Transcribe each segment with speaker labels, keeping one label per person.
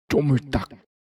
Speaker 1: 쪼물딱.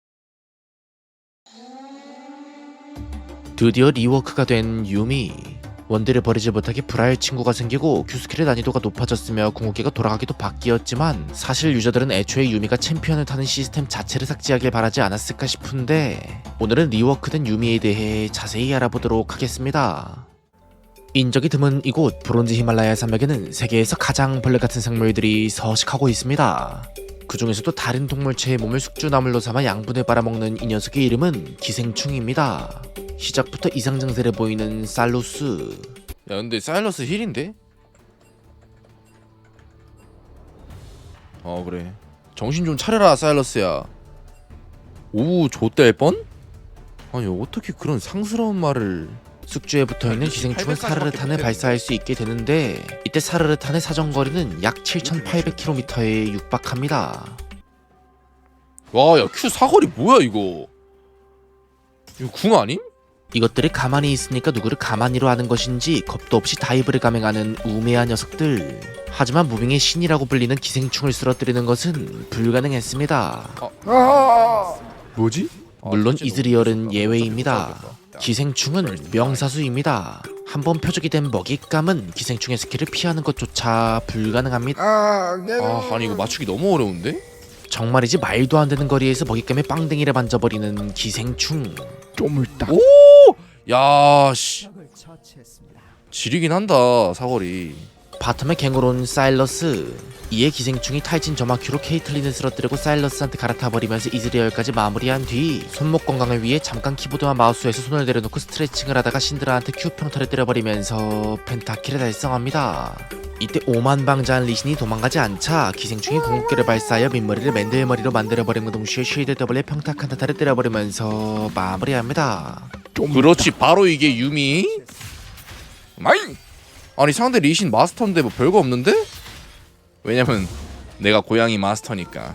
Speaker 2: 드디어 리워크가 된 유미. 원딜을 버리지 못하게 불화할 친구가 생기고 Q스킬의 난이도가 높아졌으며 궁극기가 돌아가기도 바뀌었지만 사실 유저들은 애초에 유미가 챔피언을 타는 시스템 자체를 삭제하길 바라지 않았을까 싶은데 오늘은 리워크된 유미에 대해 자세히 알아보도록 하겠습니다. 인적이 드문 이곳 브론즈 히말라야 산맥에는 세계에서 가장 벌레 같은 생물들이 서식하고 있습니다. 그 중에서도 다른 동물체의 몸을 숙주나물로 삼아 양분을 빨아먹는 이 녀석의 이름은 기생충입니다. 시작부터 이상 증세를 보이는 살로스.
Speaker 3: 야 근데 사일러스 힐인데? 그래 정신 좀 차려라 사일러스야. 오 좆될 뻔? 아니 어떻게 그런 상스러운 말을.
Speaker 2: 숙주에 붙어있는 기생충은 사르르탄을 발사할 수 있게 되는데 이때 사르르탄의 사정거리는 약 7,800km에 육박합니다.
Speaker 3: 와 야 Q 사거리 뭐야 이거. 이거 궁 아님?
Speaker 2: 이것들이 가만히 있으니까 누구를 가만히로 하는 것인지 겁도 없이 다이브를 감행하는 우매한 녀석들. 하지만 무빙의 신이라고 불리는 기생충을 쓰러뜨리는 것은 불가능했습니다.
Speaker 3: 뭐지?
Speaker 2: 물론 이즈리얼은 예외입니다. 기생충은 명사수입니다. 한번 표적이 된 먹잇감은 기생충의 스킬을 피하는 것조차 불가능합니다.
Speaker 3: 아니 이거 맞추기 너무 어려운데?
Speaker 2: 정말이지 말도 안 되는 거리에서 먹잇감의 빵댕이를 만져버리는 기생충.
Speaker 1: 쪼물딱.
Speaker 3: 오! 야 씨. 지리긴 한다 사거리.
Speaker 2: 바텀에 갱으로 온 사일러스. 이에 기생충이 탈진 점화큐로 케이틀린을 쓰러뜨리고 사일러스한테 갈아타버리면서 이즈리얼까지 마무리한 뒤 손목 건강을 위해 잠깐 키보드와 마우스에서 손을 내려놓고 스트레칭을 하다가 신드라한테 Q 평타를 때려버리면서 펜타킬을 달성합니다. 이때 오만방자한 리신이 도망가지 않자 기생충이 궁극기를 발사하여 민머리를 맨들머리로 만들어버린 동시에 쉴드 더블에 평타 칸타타를 때려버리면서 마무리합니다.
Speaker 3: 그렇지 바로 이게 유미. 마잉! 아니 상대 리신 마스터인데 뭐 별거 없는데? 왜냐면 내가 고양이 마스터니까.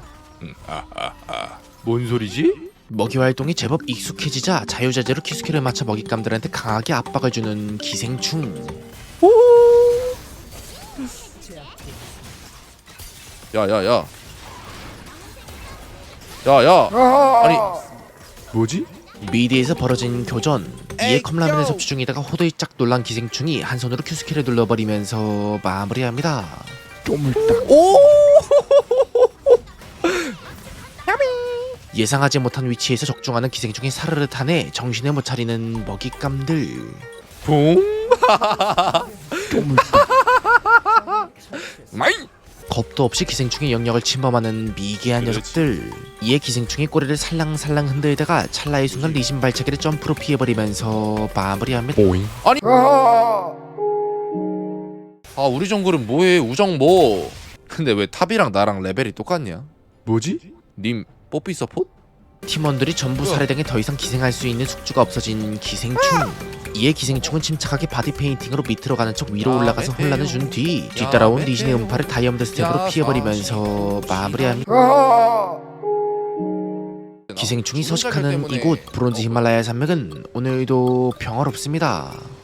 Speaker 3: 뭔 소리지?
Speaker 2: 먹이 활동이 제법 익숙해지자 자유자재로 키스킬을 맞춰 먹잇감들한테 강하게 압박을 주는 기생충.
Speaker 3: 야야야. 야야. 아니 뭐지?
Speaker 2: 미드에서 벌어진 교전. 이에 컵라면을 섭취 중이다가 호들짝 놀란 기생충이 한 손으로 큐스킬을 눌러버리면서 마무리합니다.
Speaker 1: 쪼물딱.
Speaker 3: 오!
Speaker 2: 예상하지 못한 위치에서 적중하는 기생충의 사르르탄에 정신을 못 차리는 먹잇감들.
Speaker 3: 붕!
Speaker 1: 쪼물딱.
Speaker 3: 마잉!
Speaker 2: 겁도 없이 기생충의 영역을 침범하는 미개한 녀석들. 이에 기생충이 꼬리를 살랑살랑 흔들다가 찰나의 순간 리신 발차기를 점프로 피해버리면서 마무리합니다.
Speaker 1: 오잉.
Speaker 3: 아니 우리 정글은 뭐해 우정 뭐. 근데 왜 탑이랑 나랑 레벨이 똑같냐? 뭐지? 님 뽀삐 서폿?
Speaker 2: 팀원들이 전부 살해당해 더 이상 기생할 수 있는 숙주가 없어진 기생충. 이에 기생충은 침착하게 바디 페인팅으로 밑으로 가는 척 위로 올라가서 혼란을 준 뒤 뒤따라온 리신의 음파를 다이아몬드 스텝으로 피해버리면서 마무리합니다. 기생충이 서식하는 이곳 브론즈 히말라야 산맥은 오늘도 평화롭습니다.